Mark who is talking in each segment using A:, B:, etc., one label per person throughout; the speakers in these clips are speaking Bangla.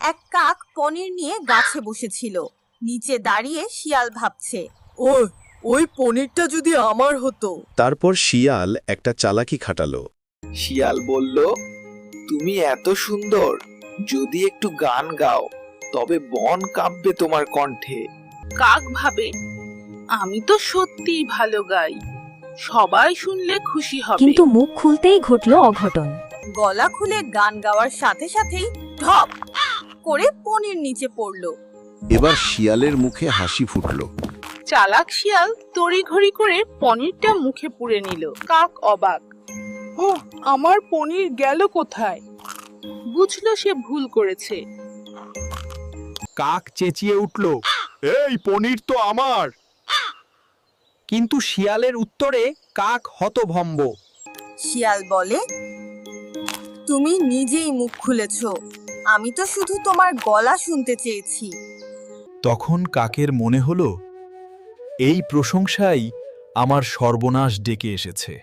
A: এক কাক পনির নিয়ে গাছে বসেছিল। নিচে দাঁড়িয়ে শিয়াল ভাবছে,
B: ওই ওই পনিরটা যদি আমার হতো।
C: তারপর শিয়াল একটা চালাকি খাটালো।
D: শিয়াল বলল, তুমি এত সুন্দর, যদি একটু গান গাও তবে বন কাঁপবে তোমার কণ্ঠে।
E: কাক ভাবে, আমি তো সত্যিই ভালো গাই, সবাই শুনলে খুশি হবে।
F: কিন্তু মুখ খুলতেই ঘটলো অঘটন।
A: গলা খুলে গান গাওয়ার সাথে সাথেই ঢপ করে পনির নিচে পড়লো।
C: এবার শিয়ালের মুখে হাসি ফুটলো।
E: চালাক শিয়াল তড়িঘড়ি করে পনিরটা মুখে পুরে নিল। কাক অবাক, ও আমার পনির গেল কোথায়? বুঝলো সে ভুল করেছে।
G: কাক চেঁচিয়ে উঠল, এই পনির তো আমার। কিন্তু শিয়ালের উত্তরে কাক হতভম্ব।
A: শিয়াল বলে, তুমি নিজেই মুখ খুলেছো, আমি তো শুধু তোমার গলা শুনতে চেয়েছি।
H: তখন কাকের মনে হলো, এই প্রশংসাই আমার সর্বনাশ ডেকে এসেছে।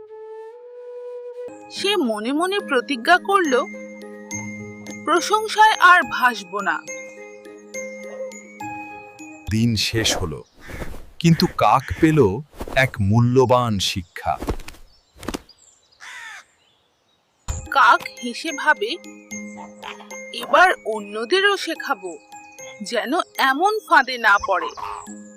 E: সে মনে মনে প্রতিজ্ঞা করলো, প্রশংসায় আর ভাসবো না।
H: দিন শেষ হলো, কিন্তু কাক পেল এক মূল্যবান শিক্ষা।
E: কাক হেসে ভাবে, এবার অন্যদেরও শেখাবো যেন এমন ফাঁদে না পড়ে।